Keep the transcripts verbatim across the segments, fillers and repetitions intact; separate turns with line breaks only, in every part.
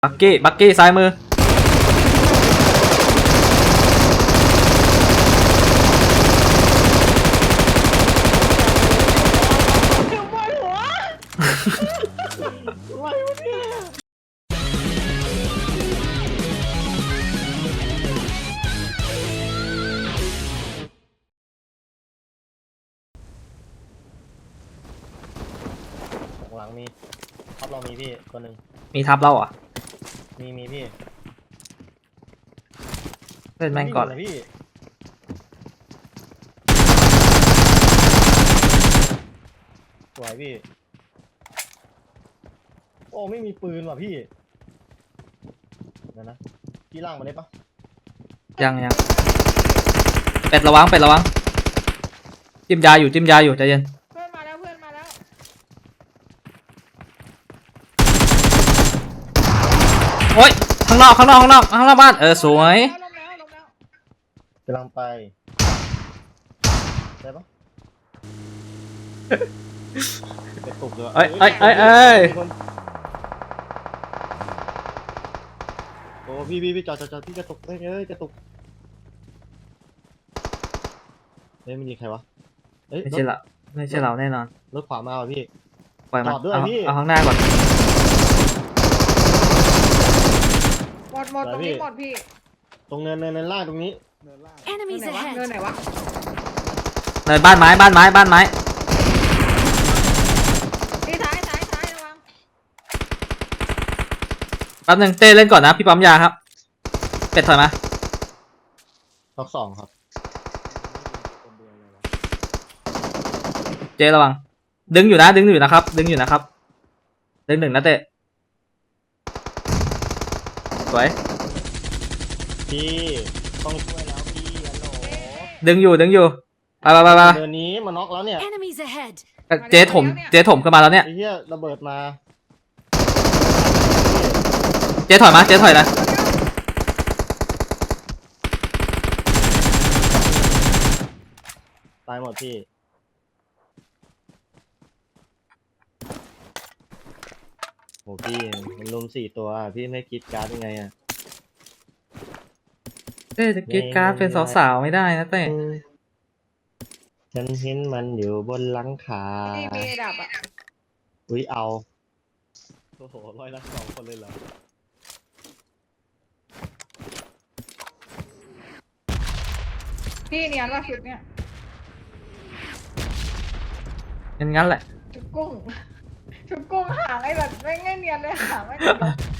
บักกี้บักกี้ซ้ายมือ
หลังมีทับเรามีพี่ตัวหนึ่ง
มีทับเราอ่ะ
มีมีพี่
เล่นแม่งก่อนเลย
พี่สวยพี่โอ้ไม่มีปืนว่ะพี่เดี๋ยวนะพี่ล่างมาได้ปะ
ยังยังเป็ดระวังเป็ดระวังจิ้มยาอยู่จิ้มยาอยู่ใจเย็น
เพื่อนมาแล้วเพื่อนมาแล้ว
โอ๊ยข้างนอกข้างนอกข้างนอกข้างนอกบ้านเออสวย
ลงแล้วลงแล้ว
กำลังไปได้ปะไปตกเลย
เอ้ยเอ้ยเอ้ยเอ้ย
โอ้พี่พี่พี่จอดจอดจอดพี่กระตุกเอ้ยเอ้ยกระตุกเฮ้ยมันยิงใครวะเอ้ย
ไม่ใช่ละไม่ใช่เราแน่นอน
รถขวามาว่ะพี่
ปล่อยมัน
จอดด้วย
เอา
พี่
เอาข้างหน้าก่อน
หมดหมดตรงนี้หมดพี่
ตรงเนินเนินเนินล่างตรงนี้
Enemies ahead เนินไหนวะ
เนินบ้านไม้บ้านไม้บ้านไม้
พี่ซ้ายซ้ายซ้ายระวัง
แป๊บนึงเต้เล่นก่อนนะพี่ปั๊มยาครับเป็ดถอยมา
ท็อกสองครับ
เจระวังดึงอยู่นะดึงอยู่นะครับดึงอยู่นะครับดึงหนึ่งนะเต้สวย
พี่ต้องช่วยแล้วพี่ฮัลโหล
ดึงอยู่ดึงอยู่ไปไปไปไป
เดือนนี้มาน็อกแล้วเนี่ย
เจถมเจถมขึ้นมาแล้วเนี่ย
ไอ้เหี้ยระเบิดมา
เจถอยมาเจถอยนะ
ตายหมดพี่โหพี่มันลุมสี่ตัวพี่ไม่คิดการ์ดยังไงอะ
เต้จะกิดการ์ดเป็นสาวๆไม่ได้นะเต้
ฉันเห็นมันอยู่บนหลังคา
พี่มีดับอ่ะ
อุ้ยเอาโอ้โหร้อยละสองคนเลยเหรอ
พี่เนียนว่าชุดเนี้ย
งั้นงั้นแหละ
ชุดกุ้งชุดกุ้งหางไอ้แบบไม่ง่ายเนียนเลยหางไม่เนียน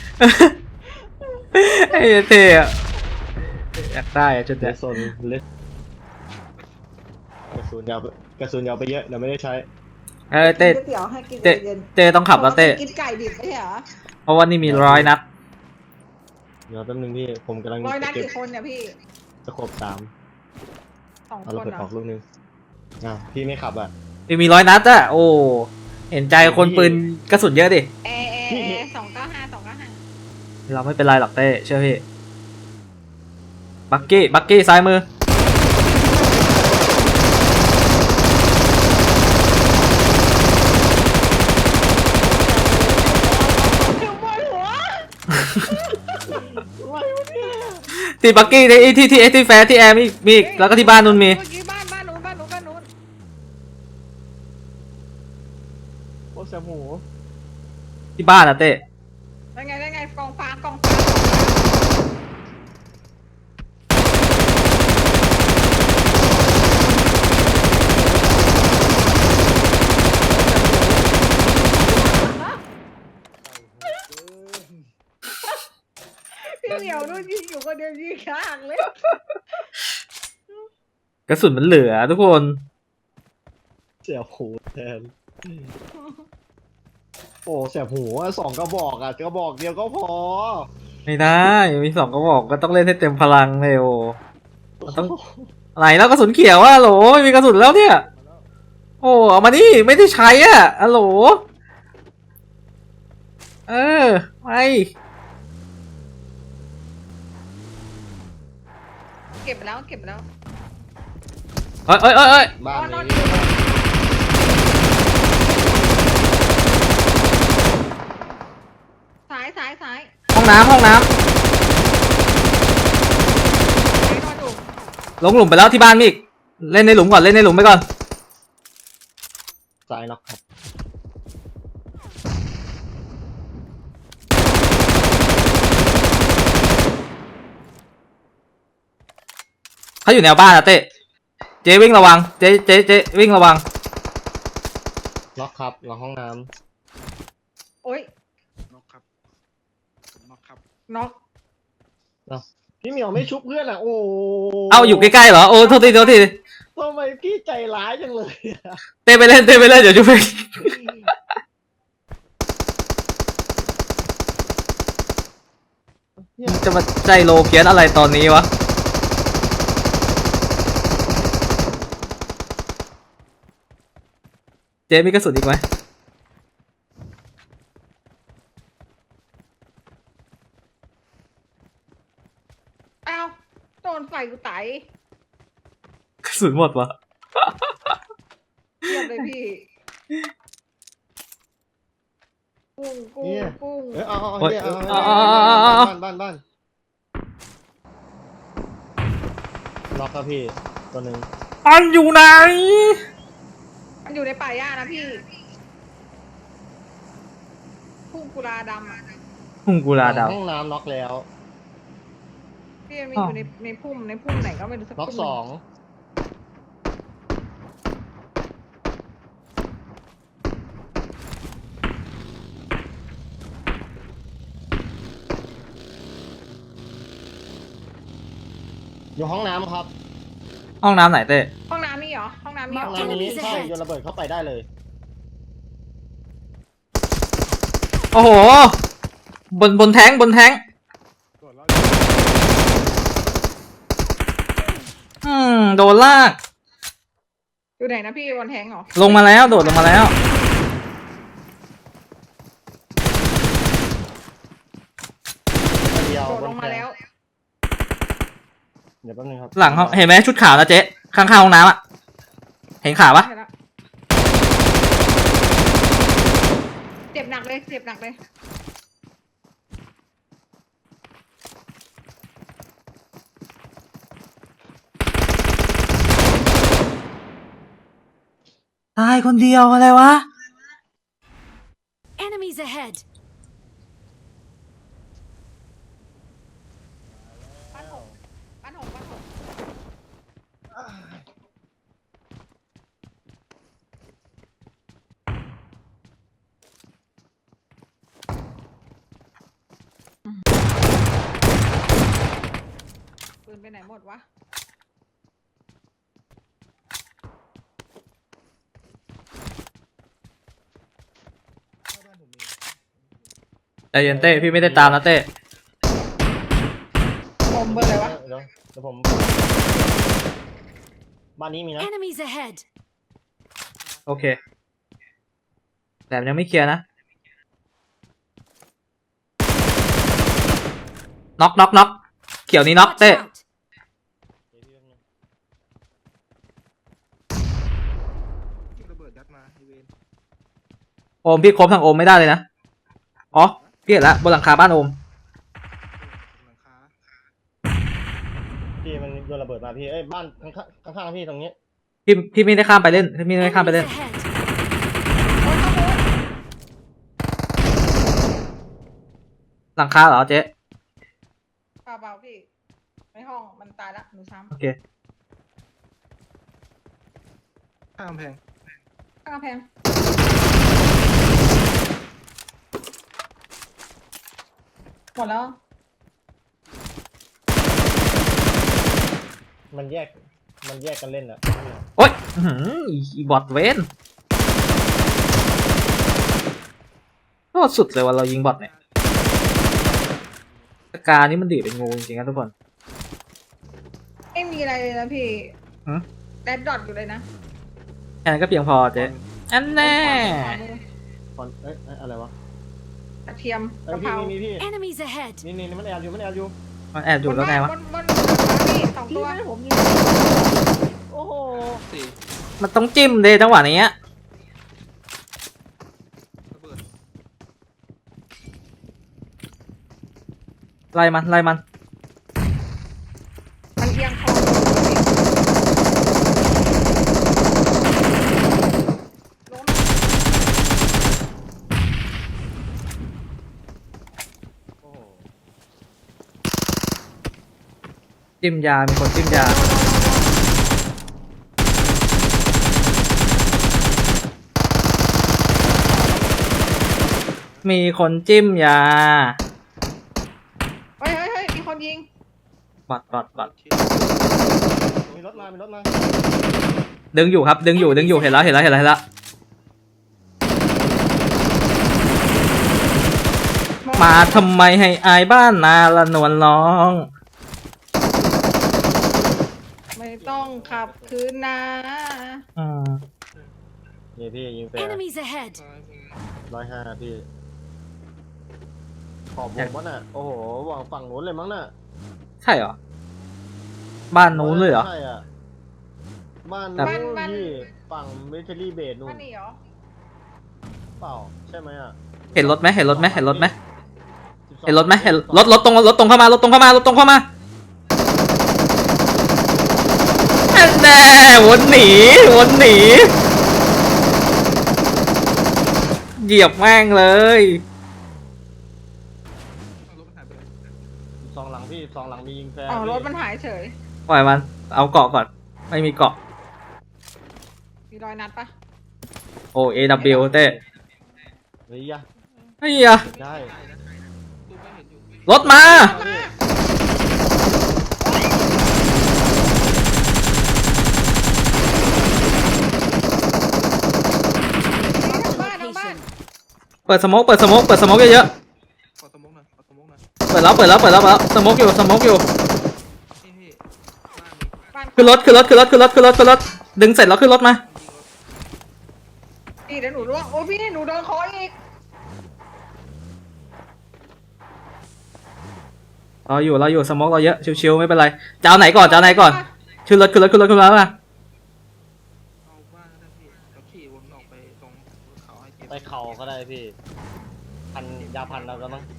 ไอ้เท่อะอยากได้อะจุดเนี้ย
โซนเล็กกระสุนยาวกระสุนยาวไปเยอะเดี๋ยวไม่ได้ใช้
เออเต้
เตี๋ยวให้กิน
เต้เต้ต้องขับแล้วเต้
กินไก่ดิบไม่ใช่เหรอ
เพราะว่านี่มีร้อยนัด
เดี๋ยวแป๊บนึงพี่ผมกำลัง
ร้อยนัดกี่คนเนี่ยพี่
จะครบสาม
สองคน
เอาเราเปิดออกลูกนึงอ่ะพี่ไม่ขับอ่ะ
มีมีร้อยนัดอะโอ้เห็นใจคนปืนกระสุนเยอะดิ
เอเอเอสองเก้าห้าสองเก้าห้า
เราไม่เป็นไรหรอกเต้เชื่อพี่บักกี้บักกี้ซ้ายมือที่บักกี้ที่ที่ที่ที่แฟร์ที่แอร์มีมีแล้วก็ที่บ้านนู้นมี
บ้านบ้านนู้นบ้านนู้นบ้านนู้น
โอ้แซมหู
ที่บ้านอะเต้
ได้ไงได้ไงกองฟ้ากองฟ้าพี่เหมียวนู่นยิงอยู่คนเดียวยิงข้างเลย
กระสุนมันเหลือทุกคน
เสียบหูแทนโอ้เสียบหูสองกระบอกอ่ะกระบอกเดียวก็พอ
ไม่ได้มีสองกระบอกก็ต้องเล่นให้เต็มพลังเลยโอ้มันต้องอะไรแล้วกระสุนเขียวอะโหลมีกระสุนแล้วเนี่ยโอ้เอามานี่ไม่ได้ใช้อ่ะอะโหลเออไป
เก็บแล้วเก็บแล้ว
เอ้ยเอ้ยเอ้ยเอ้ย
บ้านนี้
ซ้ายซ้ายซ้าย
ห้องน้ำห้องน้
ไหนนอนอยู่
ำลงหลุมไปแล้วที่บ้านมีอีกเล่นในหลุมก่อนเล่นในหลุมไปก่อน
ซ้ายน็อกครับ
เขาอยู่แนวบ้านอะเต้เจ๊วิ่งระวังเจ๊เจ๊เจ๊วิ่งระวัง
น็อกครับหลังห้องน้
โอ๊ย
น็อกครับน็อกครับ
น็อก
ำพี่เหมียวไม่ชุบเพื่อนอ่ะโอ้
เอาอยู่ใกล้ๆเหรอโอ้โทษทีโทษที
ทำไมพี่ใจร้ายจังเลยอะ
เต้ไปเล่นเต้ไปเล่นเดี๋ยวช่วยไปจะมาใจโลเพี้ยนอะไรตอนนี้วะเจ๊มีกระสุนอีกไหม
อ้าวโดนไฟกูไต
กระสุนหมดวะ
เทียบเลยพี่ กุ้งกุ้งกุ้ง
เอยเอาเอา
โอ๊ย
เนี่ยเอา
เอา
เอา
เอาเอา
บ้านบ้านบ้านน็อกครับพี่ตัวหนึ่ง
มันอยู่ไหน
มันอยู่ในป่าหญ้านะพี่พุ่งกุลาดำอ่ะ
พุ่งกุลาดาว
ห้องน้ำน็อกแล้ว
พี่มันมีอยู่ในในพุ่มในพุ่มไหนก็ไม่รู้สัก
น็อก
พุ่ม
สองอยู่ห้องน้ำครับ
ห้องน้ำไหนเต้
ห้องน้ำมีเหรอห้องน้ำมีเหรอ
ห้องน้ำนี้ใช่โยนระเบิดเข้าไปได้เลย
โอ้โหบนบนแท้งบนแท้ง
ตรวจแล้ว
อืมโดนลาก
อยู่ไหนนะพี่บนแทงเหรอ
ลงมาแล้วโดดลงมาแล้ว
ตัวเดียว
โดดลงมาแล้ว
เดี๋ยวแป๊บนึงครับ
หลังห้องเห็นไหมชุดขาวนะเจ๊ข้างๆห้องน้ำอะเห็นขาปะ
ใช่แล้วเจ็บหนักเลยเจ็บหนักเลย
ตายคนเดียวอะไรวะ
Enemies ahead!
ปั้นหงปั้นหงปั้นหงปืนไปไหนหมดวะ
ใจเย็นเต้พี่ไม่ได้ตามนะเต้
คมเบอร์อะไรวะ
เดี๋ยวเดี๋ยวผมบ้านนี้มีนะ
Enemies ahead!
โอเคแต่ยังไม่เคลียร์นะน็อกน็อกน็อกเขียวนี้น็อก
Watch
เต้
out!
ยิงระเบิดยัดมาไอเวน
โอมพี่ครบทางโอมไม่ได้เลยนะอ๋อพี่เห็นละบนหลังคาบ้านโอม
หลังคา
พี่มันโยนระเบิดมาพี่เอ้ยบ้านข้างข้างข้างๆพี่ตรงนี้
พี่พี่ไม่ได้ข้ามไปเล่นพี่ไม่ได้ข้ามไปเล่น
Enemies ahead!
โอ้ยข้างบน
หลังคาเหรอเจ๊
เปล่าๆพี่ในห้องมันตายละหนูซ้
โอเค
ข้ามกำแพง
ำข้างกำแพงหมดแล้ว
มันแยกมันแยกกันเล่นอะ
โอ๊ยอื้อหืออีบอทเวนโคตรสุดเลยว่าเรายิงบอทเนี่ยสกานี่มันดีดเป็นงูจริงๆนะทุกคน
ไม่มีอะไรเลยนะพี่
หือ
แดดดอทอยู่เลยนะ
แค่นั้นก็เพียงพอเจ๊อันแน่
คอนเอ้ยเอ้ยอะไรวะ
กระเทียม
เอ้
ก
ย
ระ
พี่
เพรา
มีมีพี่
Enemies ahead!
นี่นี่นี่มันแอบอยู่มันแอบอยู่
มันแอบอยู่แล้วไงวะ
บนบนบนพี่สอง
พี่
ตัว
ให้ผมยิงโอ้โห
สี่
มันต้องจิ้มเลยจังหวะนี้
ระเบิด
ไล่มันไล่มัน
มันเอียงคอล้ม
โอ้โห
จิ้มยา มีคนจิ้มยา มีคนจิ้มยา
เฮ้ยเฮ้ยเฮ้ยมีคนยิง
บอดบอดบอด
มีรถมา มีรถมา
ดึงอยู่ครับ ดึงอยู่ ดึงอยู่ เห็นแล้ว เห็นแล้ว เห็นแล้ว เห็นแล้ว มาทำไมให้อายบ้านนาละนวลร้อง
ไม่ต้องขับคืนนะ
อืม
นี่พี่ยิงแฟร์
Enemies ahead!
ร้อยห้าพี่ ขอบวงวะน่ะ โอ้โหวางฝั่งนู้นเลยมั้งน่ะ
ใช่เหรอ บ้านนู้นเลยเหรอ
ใช่อ่ะ บ้าน
แต่
นู้นพี่ฝั่งมิลิเทอรี่เบสนู่
มัน นหนีเหรอ
เปล่า ใช่ไหมอ่ะ
เห็นรถไหมเห็นรถไหมเห็นรถไหม
สิบสอง
เห็นรถไหมเห็นรถรถตรงรถตรงเข้ามารถตรงเข้ามารถตรงเข้ามาแน่วนหนีวนหนีเหยียบแม่งเลย
เอารถมันหายไปเลย
สิบสองหลังพี่สิบสองหลังมียิงแฟร์
อ๋อ
พี่
รถมันหายเฉย
ปล่อยมัน เอาเกาะก่อน ไม่มีเกาะ
มีรอยนัดปะ
โอเอ ดับเบิลยู เต้
เฮ้ยอะ
ไอ้ยอะ
ได้
ตู้ไม่เห็นอยู่
รถมา
บ้านทั้งบ้าน
เปิดสโมกเปิดสโมกเปิดสโมกเยอะ
ขอสมองหน่อยขอสมองหน่อย
ๆเปิดแล้วเปิดแล้วเปิดแล้วเปิดแล้วสโมกอยู่สโมกอยู่
พี่พี่บ้านมี
บ้าน
ขึ้นรถขึ้นรถขึ้นรถขึ้นรถขึ้นรถขึ้นรถดึงเสร็จแล้วขึ้นรถมา
นี่เดี๋ยวหนูร่วงโอ้พี่หนูโดนคออีก
เราอยู่เราอยู่สโมกเราเยอะชิวๆไม่เป็นไรจะเอาไหนก่อนจะเอาไหนก่อนขึ้นรถขึ้นรถขึ้นรถขึ้นรถมา
เอาบ้านก็ได้พี่เราขี่วนออกไปตรงเขาให้เก็บ
ไปเข่าก็ได้พี่ พันยาพันเราก็มั้ง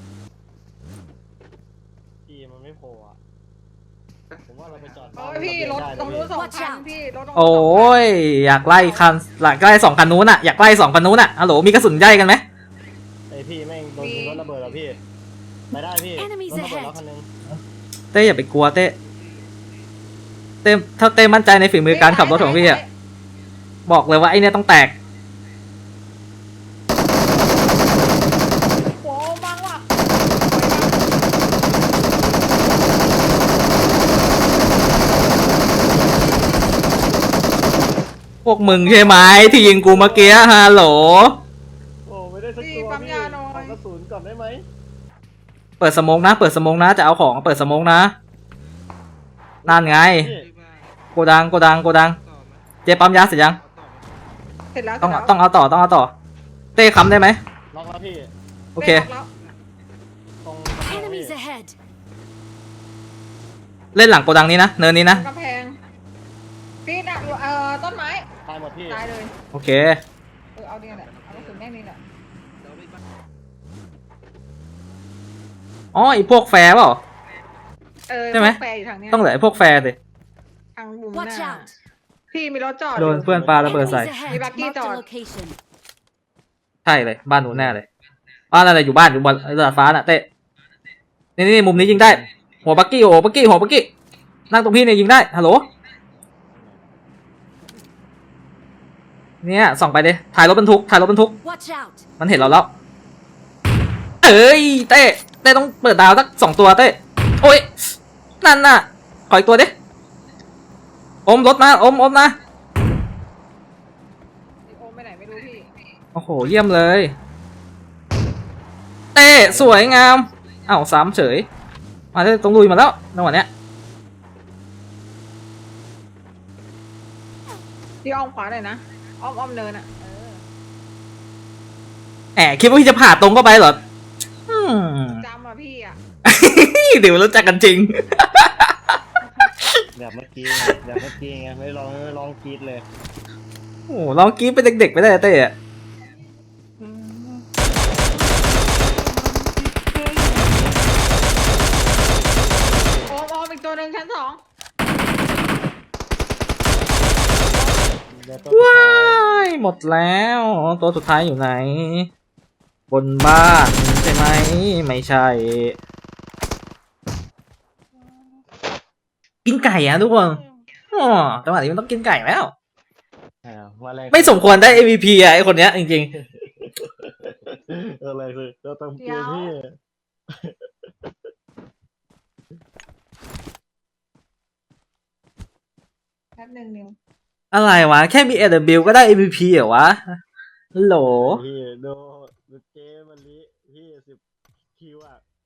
พี่มันไม่โผล่อะผมว่าเราไปจอด
โอ้ยพี่รถตรงนู้นสองคันพี่รถตรงนู้นสงคัน
โอ้ยอยากไล่คันอยากไล่สองคันนู้นอ่ะอยากไล่สองคันนู้นอ่ะฮัลโหลมีกระสุนใหญ่กันไหม
ไอพี่แม่งโดนยิงรถระเบิดแล้วพี่ไปได้พี่รถระเบิดแล้วคันนึง
เต้อย่าไปกลัวเต้เต้ถ้าเต้มั่นใจในฝีมือการขับรถของพี่อ่ะบอกเลยว่าไอเนี่ยต้องแตก
โอ้บังว่ะ
พวกมึงใช่ไหมที่ยิงกูเมื่อกี้ฮัลโหล
โอ้ไม่ได้สัก
พี่
ตัว
ปั๊ม
พี่
ยาหน่อ
ขอย กระสุนก่อนได้ไหม
เปิดสโมกนะ เปิดสโมกนะจะเอาของเปิดสโมกนะนั่นไง
พี่
ที่บ้าน
โกดังโกดังโกดัง
ต่อไหม
เจ๊ปั๊มยาเสร็จยัง
เอาต่อไหม
เสร็จแล้ว
ต้อง
เสร็จแล้ว
ต้องเอาต่อต้องเอาต่อเต้ค้ำได้ไหม
ล็อกแล้วพี่
โอเค
ได้ล็อก
ตรงกระเป๋าพี่
Enemies ahead!
เล่นหลังโกดังนี้นะเนินนี้
แล้ว
นะ
กำแพงพี่ดักอยู่เอ่อต้นไม้
ตายหมดพี่
ตายเลย
โอเค
เออเอาเนี่ยแหละเอากระสุนแม่งนี่แหละ
เดี๋ยวไปบ้าน
อ๋อไอพวกแฟร์เปล่า
เออ
ใช่ไหม
พวกแฟร์อยู่ทางเนี้ย
ต้องเหลือไอพวกแฟร์สิ
ทางมุมห
Watch
น้า
out!
พี่มีรถจอด
โดน
อยู่
เพื่อนปาระเบิด
Enemies
ใส่
ahead!
Hey, Bucky
Marked a
dog.
location.
ใช่เลยบ้านหนูแน่เลยบ้านอะไรอยู่บ้านอยู่บนดาดฟ้าน่ะเต้นี่นี่มุมนี้ยิงได้ หัวบักกี้หัวบักกี้หัวบักกี้นั่งตรงพี่เนี่ยยิงได้ฮัลโหลเนี่ยส่องไปดิถ่ายรถบรรทุกถ่ายรถบรรทุก
Watch out!
มันเห็นเราแล้วเอ้ยเต้เต้ต้องเปิดดาวสักสองตัวเต้โอ้ยนั่นน่ะขออีกตัวดิอมรถมาอมอมนะ
ไอ้โอมไปไหนไม่รู้พี่
โอ้โหเยี่ยมเลยเต้สวยงามอ้าวสามเฉยมาได้ตรงลุยมาแล้วจังหวะเนี้ย
พี่อ้อมขวาหน่อยนะอ้อมอ้อมเนินอ่ะเออ
แหมคิดว่าพี่จะผ่าตรงเข้าไปเหรออืม
จำอ่ะพี่อ่ะ
เดี๋ยวรู้จักกันจริง
แบบเมื่อกี้ไงแบบเมื่อกี้ไงไม่ลองไม่ลองกรีดเลย
โอ้โหลองกรี๊ดเป็นเด็กๆไปได้เต้อะ
ดี๋ยวตัวสุด
ว้า
ท้าย
ยหมดแล้ว ตัวสุดท้ายอยู่ไหน บนบ้านใช่ไหม ไม่ใช่ กินไก่อะทุกคนอ๋อจังหวะนี้มันต้องกินไก่แล้ว
อ่าว่าแรง
ไม่สมควรได้ เอ็ม วี พี อะไอคนเนี้ยจริง
เอออะไรคือเราต้องเกมพี่
แป๊บหนึ่งนิว
ๆ อะไรวะ แค่มี เอ ดับเบิลยู ก็ได้ เอ็ม วี พี เหรอวะฮัลโหล
พี่ดูดูเกมวันนี้พี่สิบคิวอ่ะ